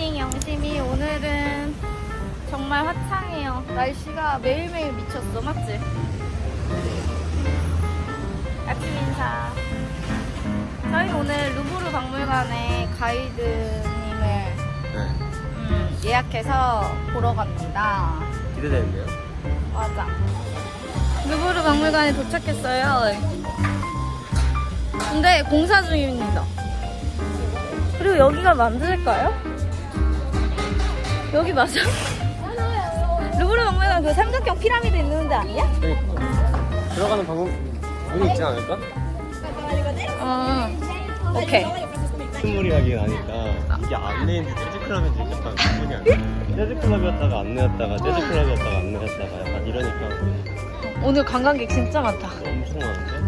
굿모닝 영심이. 오늘은 정말 화창해요. 날씨가 매일매일 미쳤어. 맞지? 아침 인사. 저희 오늘 루브르 박물관에 가이드님을 예약해서 보러 갑니다. 기대되는데요? 맞아. 루브르 박물관에 도착했어요. 근데 공사 중입니다. 그리고 여기가 맞을까요? 여기 맞아? 루브르 박물관 그 삼각형 피라미드 있는 데 아니야? 들어가는 문이 있지 않을까? 오케이. 스무리하게 나니까 이게 안내인지 재즈클럽인지 약간 구분이 안 돼. 재즈클럽이었다가 안내였다가 재즈클럽이었다가 안내였다가 약간 이러니까 오늘 관광객 진짜 많다. 엄청 많은데?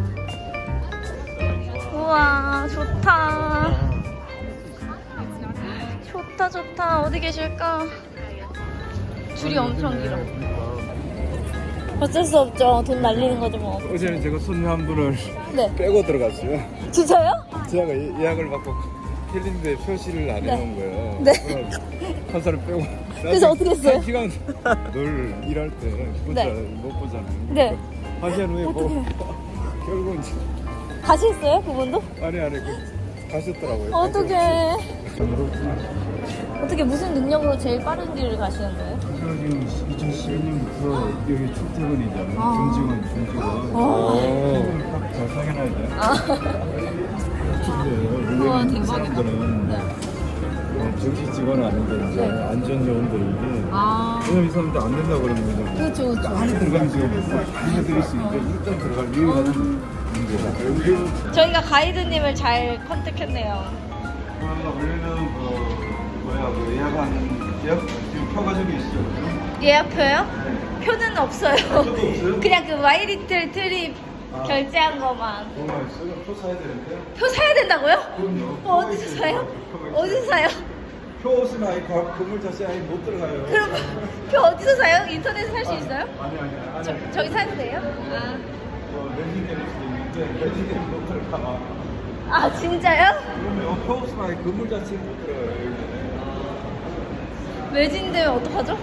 우와, 좋다. 좋다, 좋다. 어디 계실까? 줄이 엄청 길어. 어쩔 수 없죠. 돈 날리는 거죠, 뭐. 어제는 제가 손님 한 분을 네. 빼고 들어갔어요. 진짜요? 제가 예약을 받고 캘린더에 표시를 안 해놓은 거예요. 네. 한 사람 빼고. 그래서 어떻게 했어요? 한 시간 늘 일할 때 혼자 네. 못 보잖아요. 네. 하시한 후에 뭐 결국은 다시 했어요? 그분도? 아니 가셨더라고요. 어떡해. 어떻게 무슨 능력으로 제일 빠른 길을 가시는 거예요? 제가 지금 2012년부터 여기 출퇴근이잖아요. 중직원. 딱 잘 상해놔야 돼. 우와, 근데 대박이다. 사람들은 네. 정식 직원은 아닌데 이제 네. 안전요원들인데 왜냐면 이 사람들 안 된다 그러면 그렇죠, 그렇죠. 안에 들어가면 지금 알려드릴 수 있는데 일단 들어갈 유일한 문제다. 저희가 가이드님을 잘 컨택했네요. 원래는 예약한 예약 지금 표 가지고 있어요. 예약표요? 표는 없어요. 표도 없어요? 그냥 그 마이리틀 트립 결제한 것만. 정말 있어요? 표 사야 되는데. 표 사야 된다고요? 그럼요. 어디서 사요? 어디서 사요? 표 없으면 아예 건물 자체에 아예 못 들어가요. 그럼 표 어디서 사요? 인터넷에 살 수 있어요? 아니. 저기 사도 돼요? 렌징 될 수도 있는데 렌징 되면 못 들어가. 아 진짜요? 그러면 표 없으면 아예 건물 자체에 못 들어가요. 외진되면 어떡하죠?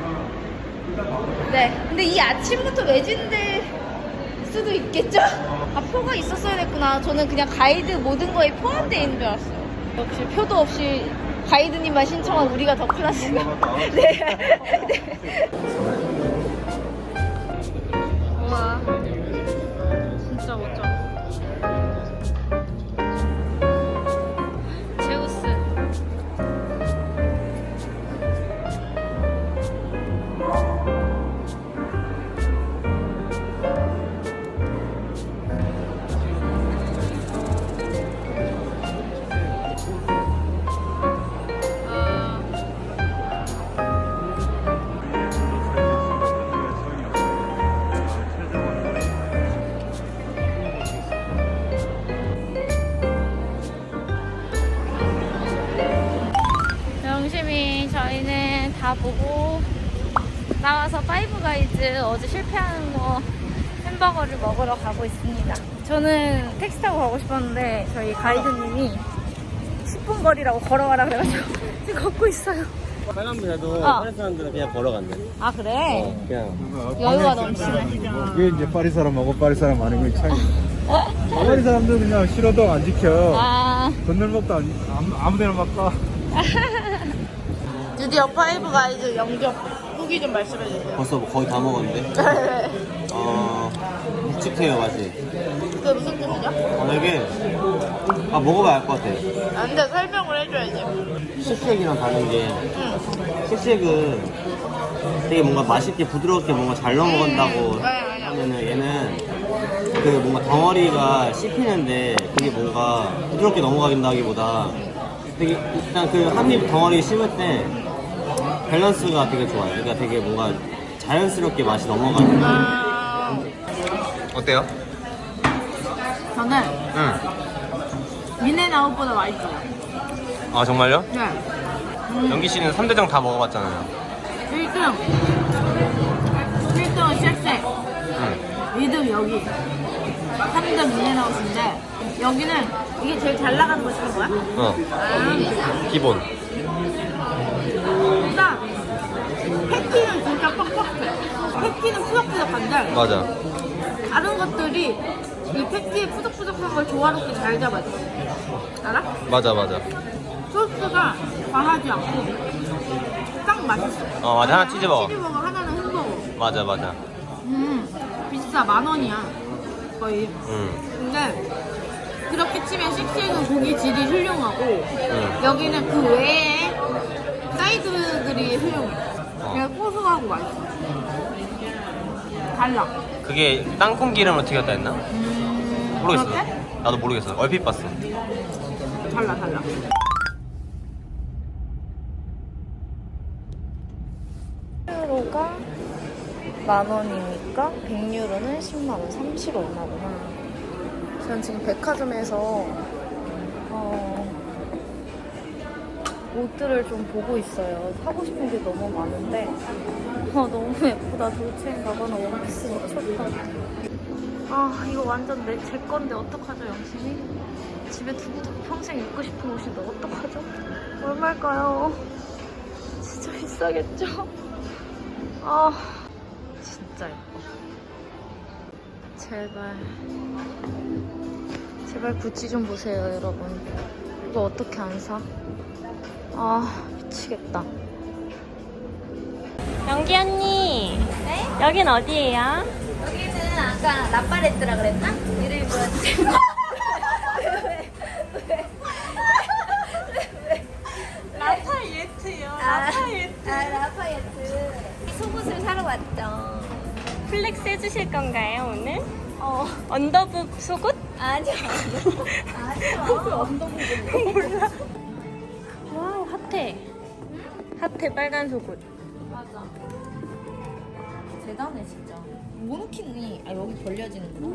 네. 근데 이 아침부터 외진될 수도 있겠죠? 아, 표가 있었어야 됐구나. 저는 그냥 가이드 모든 거에 포함되어 있는 줄 알았어요. 역시 표도 없이 가이드님만 신청한 우리가 더 클래스가. 네. 네. 우와. 진짜 멋져. 제우스. 영심이 저희는 다 보고 나와서 파이브 가이즈 어제 실패하는 거 햄버거를 먹으러 가고 있습니다. 저는 택시 타고 가고 싶었는데 저희 가이드님이 10분 거리라고 걸어가라 그래가지고 지금 걷고 있어요. 사람들도 다른 사람들은 그냥 걸어간대. 아 그래? 그냥 여유가 넘치네. 그게 이제 파리 사람하고 파리 사람 아닌 건 차이. 파리 사람들 그냥 신호등 안 지켜. 건널목도 아무데나 막 가. 드디어 파이브 가이즈 영접 후기 좀 말씀해주세요. 벌써 거의 다 먹었는데. 묵직해요 맛이. 그게 무슨 뜻이죠? 이게 먹어봐야 알 것 같아. 근데 설명을 해줘야지. 식색이랑 다른 게 식색은 되게 뭔가 맛있게 부드럽게 뭔가 잘 넘어간다고 하면은 얘는 그 뭔가 덩어리가 씹히는데 그게 뭔가 부드럽게 넘어가긴다기보다 되게 일단 그 한 입 덩어리 씹을 때 밸런스가 되게 좋아요. 그러니까 되게 뭔가 자연스럽게 맛이 넘어가는. 어때요? 저는 응. 인앤아웃보다 맛있어요. 아 정말요? 네. 연기 씨는 3대장 다 먹어봤잖아요. 1등. 1등은 쉑쉑. 응. 2등 여기. 3등 인앤아웃인데 여기는 이게 제일 잘 나가는 거 시킨 거야? 기본. 패티는 푸석푸석한데 맞아. 다른 것들이 이 패티의 푸석푸석한 걸 조화롭게 잘 잡아줘. 알아? 맞아. 소스가 과하지 않고 딱 맛있어. 맞아. 하나 치즈버거. 치즈버거 하나는 햄버거. 맞아. 비싸. 10,000원이야 거의. 근데 그렇게 치면 식스에는 고기 질이 훌륭하고 여기는 그 외에 사이드들이 훌륭해. 그냥 고소하고 맛있어. 달라. 그게 땅콩 기름으로 튀겼다 했나? 모르겠어. 그렇대? 나도 모르겠어. 얼핏 봤어. 달라. 1유로가 10,000원이니까 100유로는 10만원, 30 얼마구나. 저는 지금 백화점에서 옷들을 좀 보고 있어요. 사고 싶은 게 너무 많은데 너무 예쁘다. 돌체인가봐나 원피스 미쳤다. 이거 완전 제 건데 어떡하죠, 영심이? 집에 두고 평생 입고 싶은 옷인데 어떡하죠? 얼마일까요? 진짜 비싸겠죠? 진짜 예뻐. 제발 구찌 좀 보세요, 여러분. 이거 어떻게 안 사? 미치겠다. 영기 언니. 네? 여긴 어디예요? 여기는 아까 라파레트라 그랬나? 이름이 뭐였지? 라파예트요. 라파예트. 라파예트. 속옷을 사러 왔죠. 플렉스 해주실 건가요 오늘? 언더북 속옷? 아니요. 언더북은 몰라. 와우 핫해. 핫해 빨간 속옷. 맞아. 대단해 진짜. 모노키는 여기 벌려지는구나.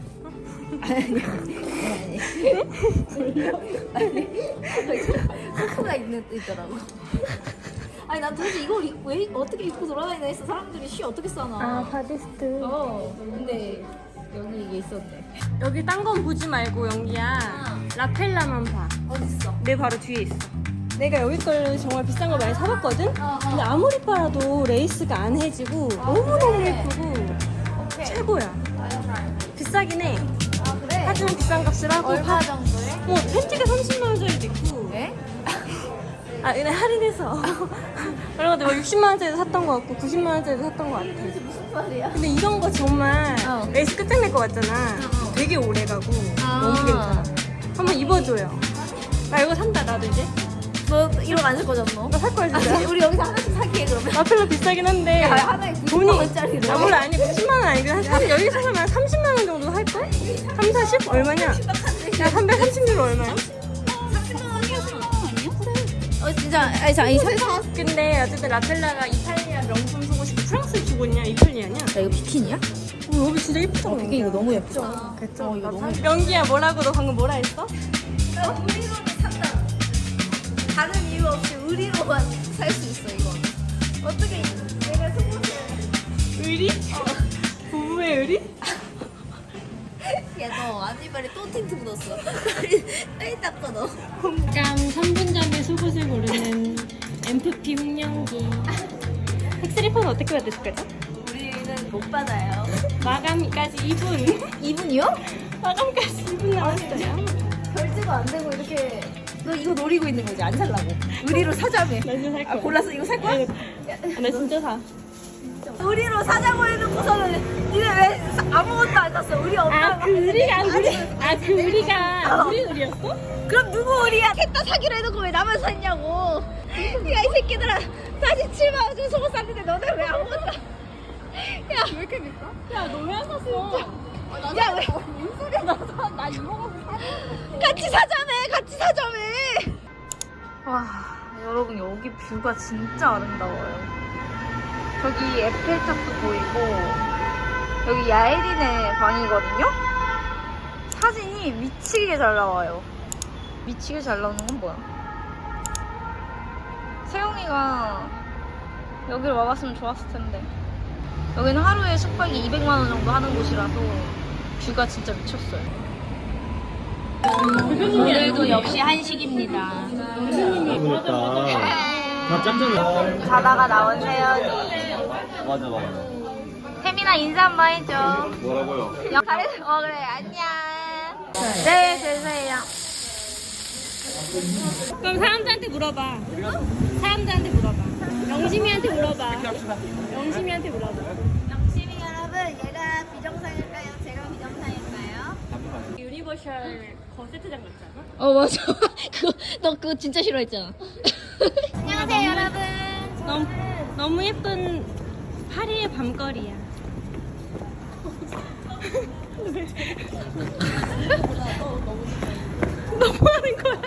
아니. 후크가 있더라고. 아니 난 도대체 이걸 왜 어떻게 입고 돌아다니나 했어. 사람들이 쉬 어떻게 싸나. 바디스트. 근데 여기 이게 있었네. 여기 딴 건 보지 말고 영기야. 라펠라만 봐. 어딨어? 내 바로 뒤에 있어. 내가 여기 걸 정말 비싼 거 많이 사봤거든? 근데 아무리 빨아도 레이스가 안 해지고 너무너무 예쁘고 최고야. 비싸긴 해. 그래? 하지만 비싼 값을 하고 얼마 정도에? 팬티가 30만 원짜리도 있고 네? 그냥 할인해서 그런 것도 60만 원짜리도 샀던 거 같고 90만 원짜리도 샀던 거 같아. 무슨 말이야? 근데 이런 거 정말 레이스 끝장낼 것 같잖아. 되게 오래 가고 너무 괜찮아. 한번 입어줘요. 나 이거 산다. 나도 이제 너 이런 거 안 살 거잖아 너? 나 살 거야 진짜. 우리 여기서 하나씩 사기해 그러면. 라펠러 비싸긴 한데 하나에 90만 원짜리래. 물론 아니 90만 원 아니고 사실 여기 사면 30만 원 정도 할걸? 3, 40? 얼마냐? 야 330유로 얼마야? 30만 원이야. 30만 원 아니야? 진짜 아니 설마. 근데 어쨌든 라펠라가 이탈리아 명품 속옷이 프랑스 속옷이냐 이탈리아냐? 야 이거 비키니야? 여기 진짜 예쁘잖아. 이게 이거 너무 예쁘죠? 그쵸? 이거 너무 예뻐. 연기야 뭐라고 너 방금 뭐라 했어? 나 의리로는 산다. 다른 이유 없이 의리로만 살 수 있어 이거. 어떻게 내가 속옷을. 의리? 부부의 의리? 야 너 앞니발에 또 틴트 묻었어. 빨리 닦아 너. 짠 3분잠에 속옷을 고르는 MFP 홍영기. 팩스리퍼는 어떻게 받으실 거죠? 우리는 못 받아요. 마감까지 2분. 2분이요? 마감까지 2분 남았어요. 결제가 안 되고 이렇게. 너 이거 노리고 있는 거지? 안 살라고. 의리로 사자며. 나 이거 살 거야. 골랐어? 이거 살 거야? 나 진짜 사. 의리로 사자고 해놓고서는 니네 왜 아무것도 안 샀어? 의리 없다. 그 의리가 그 의리가 우리 의리였어? 그럼 누구 의리야? 셋 다 사기로 해놓고 왜 나만 샀냐고. 야 이 새끼들아 47만 원 주고 속옷 샀는데 너네 왜 아무것도 야 왜 이렇게 비싸? 야 너 왜 안 샀어? 야 왜? 뭔 소리야 나 이거 가서 같이 사자매. 와 여러분 여기 뷰가 진짜 아름다워요. 저기 에펠탑도 보이고 여기 야에린의 방이거든요. 사진이 미치게 잘 나와요. 미치게 잘 나오는 건 뭐야? 세영이가 여기를 와봤으면 좋았을 텐데. 여기는 하루에 숙박이 200만 원 정도 하는 곳이라서 뷰가 진짜 미쳤어요. 오늘도 역시 한식입니다. 그러니까 다 짭잖아. 자다가 나온 세연이 맞아. 태민아 인사 한번 해줘. 뭐라고요? 잘했어. 그래. 안녕. 네, 되세요. 그럼 사람들한테 물어봐. 사람들한테 물어봐. 영심이한테 물어봐. 영심이한테 물어봐. 영심이 여러분, 얘가 비정상일까요? 제가 비정상일까요? 유니버셜 거세트장 같잖아. 어, 맞아. 너 그거 진짜 싫어했잖아. 안녕하세요, 여러분. 너무 예쁜 파리의 밤거리야. 너무 하는 거야?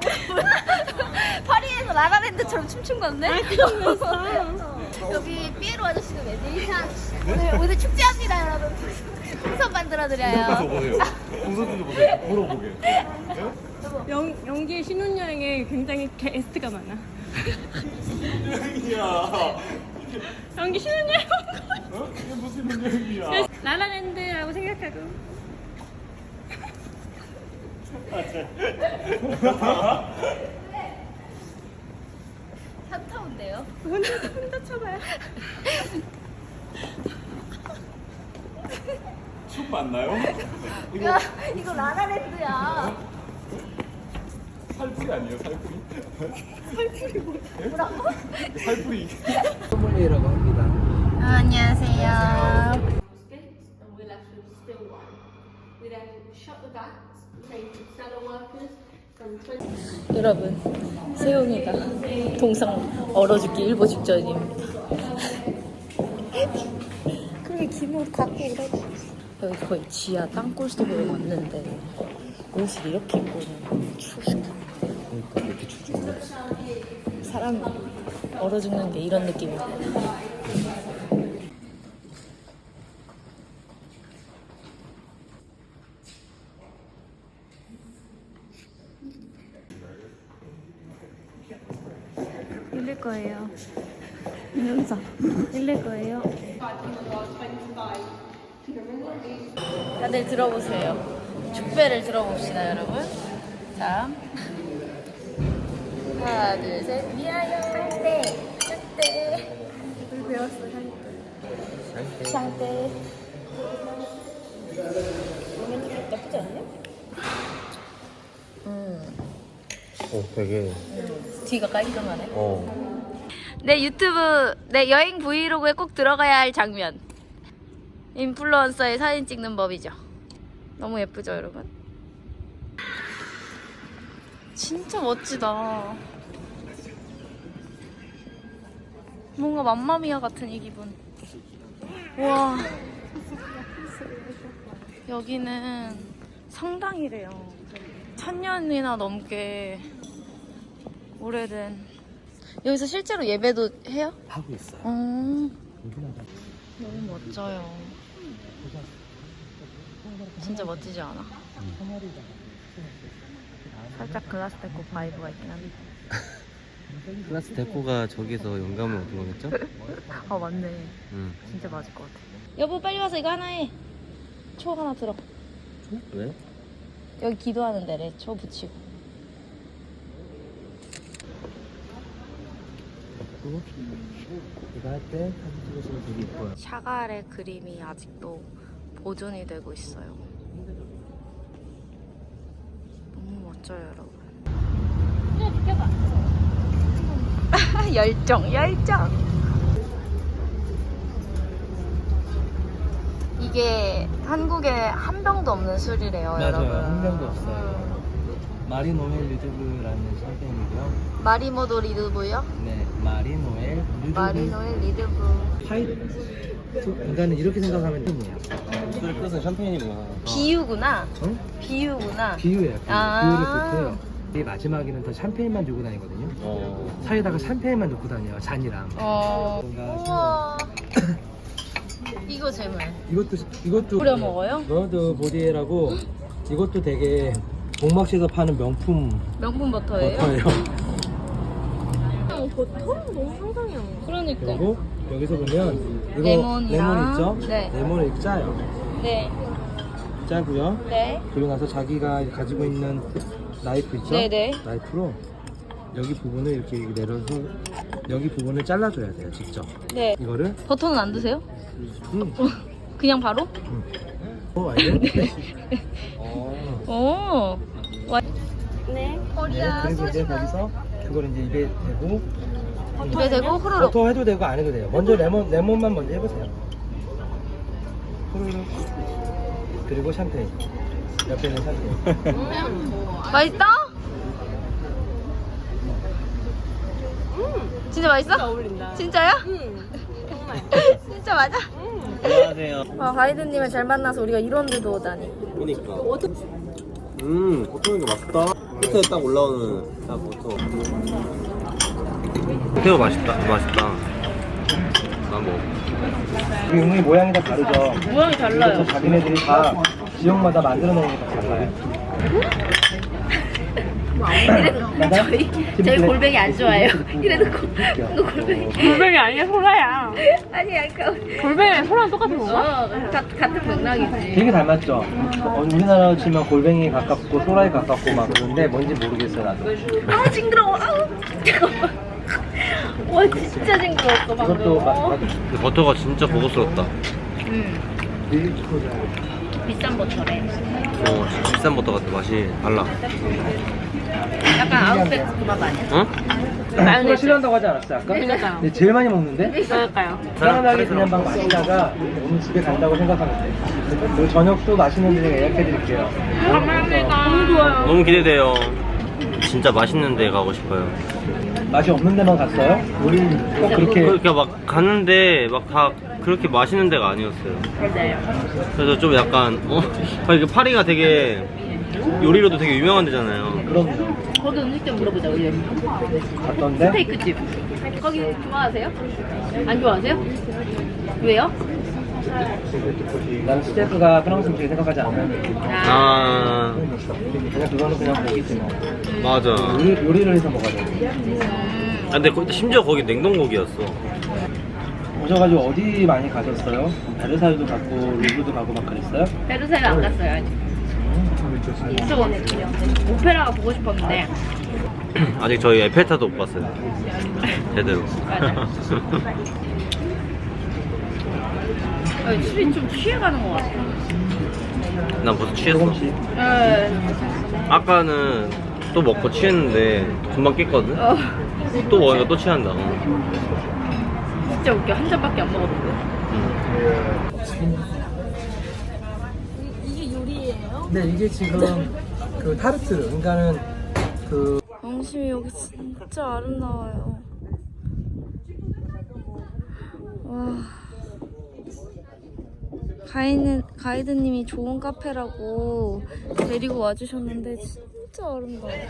파리에서 라라랜드처럼 춤춘 건데? 그러면서 여기 삐에로 아저씨가 매니션 오늘 축제합니다, 여러분. 풍선 만들어드려요. 보세요. 풍선 좀 보세요. 물어보게. 연기의 신혼여행에 굉장히 게스트가 많아. 여행이야. 연기 신혼여행 온 거야. 어? 이게 무슨 여행이야? 라라랜드라고 생각하고. 현타운데요? 혼자 쳐봐요. 춤 맞나요? 야, 이거 라라랜드야. 살풀이 아니에요? 살풀이? 뭐라고? 살풀이. 소믈리에라고 합니다. 안녕하세요. 여러분, 세용이가 동상 얼어 죽기 일보 직전입니다. 그렇게 기분 갖고 오라고. 여기 거의 지하 땅굴 속으로 왔는데 옷을 이렇게 입고는 추워 죽겠네. 그러니까 이렇게 춥지. 사람 얼어 죽는 게 이런 느낌이야. 밀릴 거예요. 이러면서 밀릴 거예요. 다들 들어보세요. 축배를 들어봅시다, 여러분. 자, 하나, 둘, 셋, 미아요. 샹떼, 샹떼. 우리 배웠어, 샹떼. 샹떼. 나쁘지 않냐? 되게. 뒤가 깔끔하네. 어. 내 유튜브, 내 여행 브이로그에 꼭 들어가야 할 장면. 인플루언서의 사진 찍는 법이죠. 너무 예쁘죠, 여러분? 진짜 멋지다. 뭔가 맘마미아 같은 이 기분. 와. 여기는 성당이래요. 1000년이나 넘게 오래된. 여기서 실제로 예배도 해요? 하고 있어요. 너무 멋져요. 진짜 멋지지 않아? 살짝 글라스 데코 바이브가 있긴 한데. 클라스 데코가 저기서 영감을 얻은 거겠죠? 아 맞네. 응. 진짜 맞을 것 같아. 여보 빨리 와서 이거 하나 해. 초 하나 들어. 왜? 여기 기도하는 데래. 초 붙이고. 이거 할 때 사진 찍으시면 되게 이뻐요. 샤갈의 그림이 아직도 보존이 되고 있어요. 너무 멋져요, 여러분. 열정. 이게 한국에 한 병도 없는 술이래요, 맞아요. 여러분. 한 병도 없어요. 마리노엘 리드브라는 샴페인이고요. 마리모도 리드브요? 네, 마리노엘 리드브. 마리노의 리드브. 화이트. 인간은 이렇게 생각하면 돼요. 술을 끓여서 샴페인이구나. 비유구나. 어? 비유구나. 비유예요. 아. 비유를 좋고요. 이 마지막에는 더 샴페인만 주고 다니거든요. 사이에다가 샴페인만 넣고 다녀요. 잔이랑. 우와. 이거 제물. 이것도 뿌려 먹어요? 러드 보디에라고 이것도 되게 복막시에서 파는 명품 명품 버터예요? 버터예요. 버터는 너무 상상이 안 가. 그러니까. 그리고 여기서 보면 이거 레몬이랑, 레몬 있죠? 네. 레몬을 이렇게 짜요. 네. 짜고요. 네. 그리고 나서 자기가 가지고 있는 나이프 있죠? 네네. 나이프로 여기 부분을 이렇게 내려서 여기 부분을 잘라줘야 돼요, 직접. 네. 이거를 버터는 안 드세요? 음. 그냥 바로? 알죠? 오. 네. 그리고 이제 거기서 그걸 이제 입에 대고 입에 대고 후루룩. 버터 해도 되고 안 해도 돼요. 먼저 레몬만 먼저 해보세요. 후루룩. 그리고 샴페인. 옆에는 샴페인. 맛있다? 진짜 맛있어? 진짜 어울린다. 진짜야? 정말. 진짜 맞아? 안녕하세요. 가이드님을 잘 만나서 우리가 이런 데도 오다니. 그러니까. 버터는 게 맛있다. 끝에 딱 올라오는 딱 버터. 새우 맛있다. 난 뭐. 우리 용이 모양이 다 다르죠? 모양이 달라요. 그래서 자기네들이 다 지역마다 만들어 놓은 게 다 달라요. 저희 골뱅이 안 좋아해요. 이래도 골뱅이. 골뱅이 아니야, 소라야. 아니야, 골뱅이랑 소라랑 똑같은 건가? 같은 맥락이지. 되게 닮았죠? 우리나라로 치면 골뱅이 가깝고 소라에 가깝고 막 그런데 뭔지 모르겠어요, 나도. 아, 징그러워. 아우, 잠깐만. 와, 진짜 징그러웠어, 방금. 이것도 버터가 진짜 고급스럽다. 비싼 버터래. 진짜 비싼 버터 같아. 맛이 달라. 약간 아웃백 그 맛 아니야? 응? 소라 싫어한다고 하지 않았어요, 아까? 그러니까요. 근데 제일 많이 먹는데? 그럴까요? 편안하게 그냥 막 마시다가 오늘 집에 간다고 생각하면 돼. 그리고 저녁도 맛있는 데 예약해드릴게요. 감사합니다. 너무 좋아요. 너무 기대돼요. 진짜 맛있는 데 가고 싶어요. 맛이 없는 데만 갔어요? 우리 꼭 그렇게 그렇게 막 갔는데 막 다 그렇게 맛있는 데가 아니었어요. 그래서 좀 약간 이게 파리가 되게 요리로도 되게 유명한 데잖아요. 그럼요. 거기 음식점 물어보자, 우리. 갔던데? 스테이크집. 거기 좋아하세요? 안 좋아하세요? 왜요? 난 스테이크가 프랑스 음식 생각하지 않아요. 그냥 그거는 그냥 고기지 뭐. 맞아. 요리를 해서 먹어야 돼. 근데 심지어 거기 냉동고기였어. 오셔가지고 어디 많이 가셨어요? 베르사유도 갔고 루브르도 가고 막 그랬어요? 베르사유 안 갔어요, 아직. 이쪽은 오페라가 보고 싶었는데. 아직 저희 에펠탑도 못 봤어요. 제대로. 맞아. 술이 좀 취해가는 것 같아. 난 벌써 취했어. 조금씩. 아까는 또 먹고 취했는데 금방 깼거든. 또 먹으니까 또 취한다. 진짜 웃겨. 한 잔밖에 안 먹었는데. 이게 요리예요? 네, 이게 지금 그 타르트, 그러니까는 그 영심이 여기 진짜 아름다워요. 와. 가이드님이 좋은 카페라고 데리고 와주셨는데 진짜 아름다워요.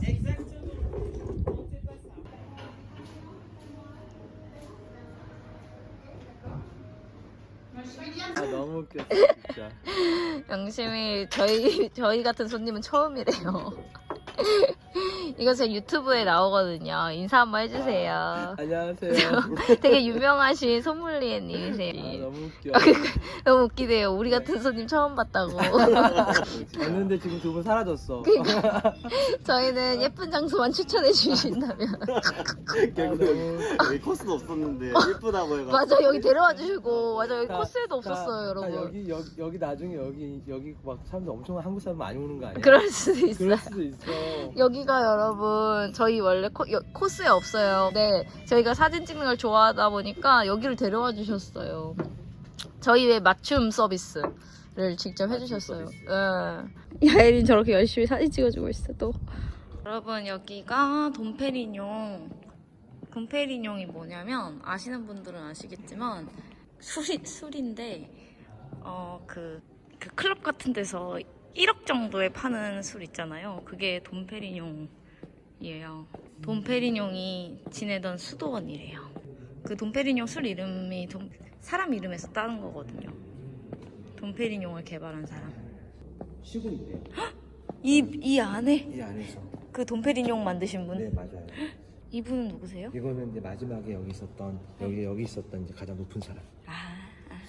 너무 웃겼어 진짜. 영심이 저희 같은 손님은 처음이래요. 이거 제 유튜브에 나오거든요. 인사 한번 해주세요. 안녕하세요. 되게 유명하신 소믈리에님이세요. 너무 웃겨. 너무 웃기대요. 우리 같은 손님 처음 봤다고. 봤는데 지금 두 분 사라졌어. 저희는 예쁜 장소만 추천해 주신다면. 결국 여기 코스도 없었는데 예쁘다고 해가지고. 맞아, 여기 데려와 주시고. 맞아, 여기 코스에도 없었어요, 여러분. 여기 나중에 여기 막 사람들 엄청 한국 사람 많이 오는 거 아니야? 그럴 수도 있어요. 그럴 수도 있어. 여기가 여러분 저희 원래 코스에 없어요. 네, 저희가 사진 찍는 걸 좋아하다 보니까 여기를 데려와 주셨어요. 저희의 맞춤 서비스를 직접 해주셨어요. 야혜린 저렇게 열심히 사진 찍어주고 있어 또. 여러분 여기가 돈페리뇽. 돈페리뇽이 뭐냐면 아시는 분들은 아시겠지만 술인데 그 클럽 같은 데서 1억 정도에 파는 술 있잖아요. 그게 돈페리뇽이에요. 돈페리뇽이 지내던 수도원이래요. 그 돈페리뇽 술 이름이 사람 이름에서 따는 거거든요. 돈페리뇽을 개발한 사람. 쉬고 있대요. 이 안에? 이 안에서. 그 돈페리뇽 만드신 분? 네, 맞아요. 이분은 누구세요? 이거는 이제 마지막에 여기 있었던 이제 가장 높은 사람.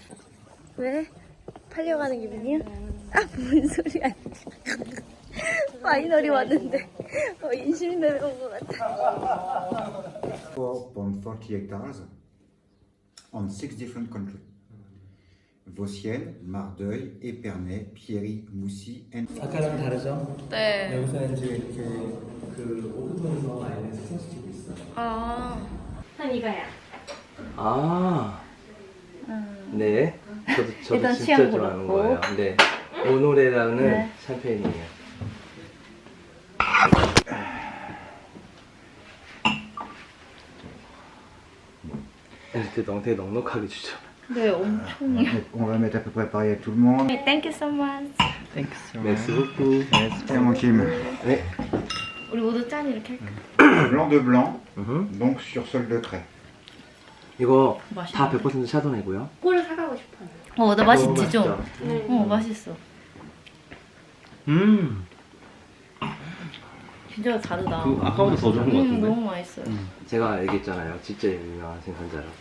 왜? 팔려가는 기분이야? 아, 뭔 소리야. 파이널이 왔는데 인심 내려온 것 같아. 4.40 hectares on 6 different countries. Vosgiennes, Mardeuil, Épernay, Pierry, Moussy, and 아까랑 다르죠? 네. 여기서 이제 이렇게 그 오븐에서 마요네즈 소스 주고 있어. 한 이거야. 아. 네. 저도 일단 진짜 취향 좋아하는 그렇고. 거예요. 네. 오노레라는 네. 샴페인이에요. 이렇게 되게 넉넉하게 주죠. 네, 엄청. on va mettre à peu près pareil à tout le monde. Thank you so much. 맥스 후쿠. Tiens mon Kim. 네. 우리 모두 짠 이렇게 할까? Blanc de blanc, 음흠. donc sur sol de craie. 이거 맛있네. 다 100% 샤도네고요. 꼴을 사가고 싶어요. 나 맛있지 좀. 맛있죠? 맛있어. 진짜 다르다. 그 아까보다 더 좋은 것 같은데? 너무 맛있어요. 제가 얘기했잖아요. 진짜 유명한 생산자라고.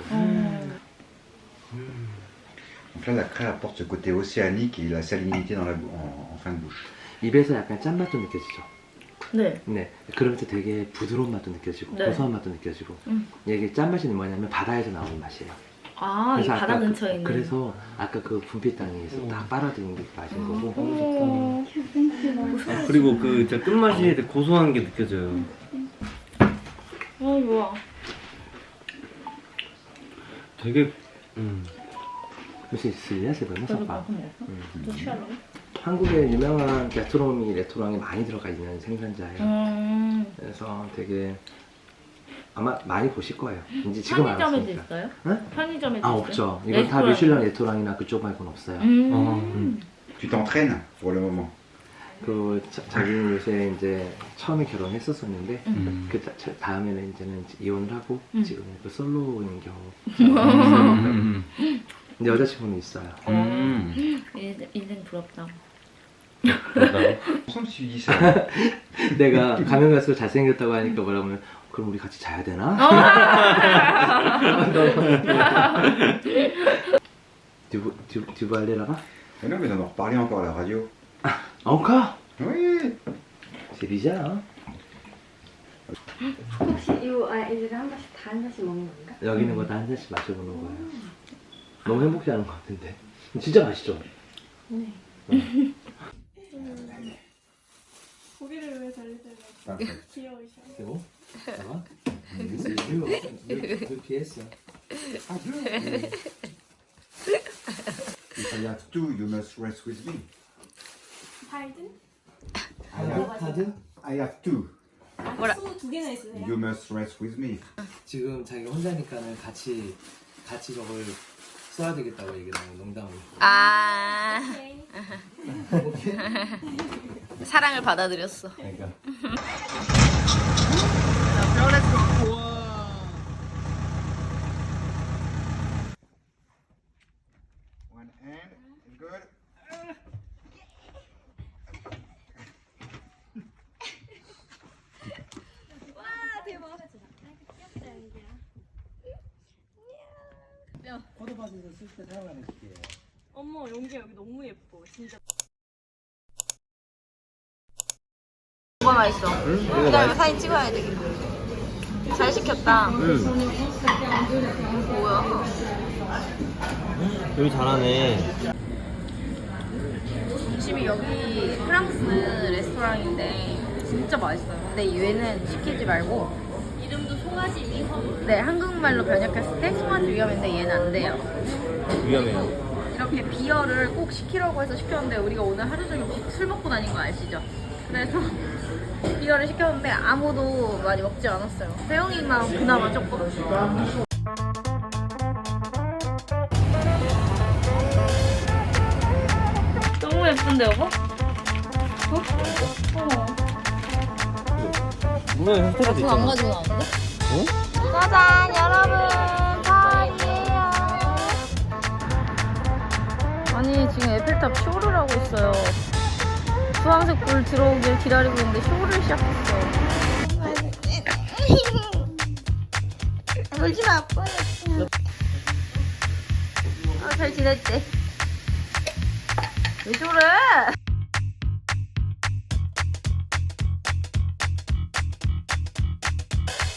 Donc là, la craie apporte ce côté océanique et la salinité dans en fin de bouche. 입에서 약간 짠맛도 느껴지죠. 네. 네. 그러면서 되게 부드러운 맛도 느껴지고 네. 고소한 맛도 느껴지고. 이게 짠맛이 뭐냐면 바다에서 나오는 맛이에요. 이 그래서 바다 아까 근처에 있는. 그래서 아까 그 분필 땅에서 딱 빨아들인 게 맛인 거고. 그리고 그 진짜 끝맛이 되게 고소한 게 느껴져요. 좋아. 되게 혹시 있으냐 세번나 삭바. 또 취할래? 한국에 유명한 레스토랑이 많이 들어가 있는 생산자예요. 그래서 되게 아마 많이 보실 거예요. 이제 지금 편의점에도 알았으니까. 있어요? 응? 편의점에도 아 있어요? 없죠. 이건 다 미슐랭 레스토랑이나 그쪽 말고는 없어요. Tu t'entraînes pour le moment. 그 자기는 요새 이제 처음에 결혼했었었는데 그 다음에는 이제는 이혼을 하고 지금 그 솔로인 경우. 근데 여자친구는 있어요. 인생 부럽다. Ensemble, tu dis ça. 내가 가면 갈수록 잘생겼다고 하니까 뭐라고 하면 그럼 우리 같이 자야 되나? 듀브 할래라가? Mais non, mais on en reparlait encore à la radio. encore? Oui. C'est bizarre. 혹시 이거 애들이 한 번씩 다 한 잔씩 먹는 건가? 여기 있는 거 다 한 잔씩 마셔보는 거예요. 너무 행복해 하는 것 같은데. 진짜 맛있죠? 고기를 왜 달리세요? 귀여우셔. 그리고 잠깐만. 그 피했어. If I have two, you must rest with me. 달든? 카드? I have two. 두 개나 있으세요? You must rest with me. 지금 자기가 혼자니까는 같이 저걸 써야 되겠다고 얘기를 하는 농담으로. 사랑을 받아들였어. 그러니까. One hand, good. 포도밭에서 쓸 때 사용하는 게. 어머 용기야 여기 너무 예뻐 진짜. 뭐가 맛있어? 그다음에 사진 찍어야 되겠다. 잘 시켰다. 뭐야? 여기 잘하네. 집이 여기 프랑스 레스토랑인데 진짜 맛있어요. 근데 얘는 시키지 말고 이름도 송아지 위험. 네, 한국말로 번역했을 때 송아지 위험인데 얘는 안 돼요. 위험해요. 이렇게 비어를 꼭 시키라고 해서 시켰는데 우리가 오늘 하루 종일 술 먹고 다닌 거 아시죠? 그래서 비어를 시켰는데 아무도 많이 먹지 않았어요. 세영이만 그나마 조금. 너무 예쁜데 여보? 분명히 혜택도 그거 안 있잖아. 가지고 나왔는데? 짜잔 여러분 파이예요. 아니 지금 에펠탑 쇼를 하고 있어요. 주황색 불 들어오길 기다리고 있는데 쇼를 시작했어. 울지 마 아빠. 잘 지냈지? 왜 저래?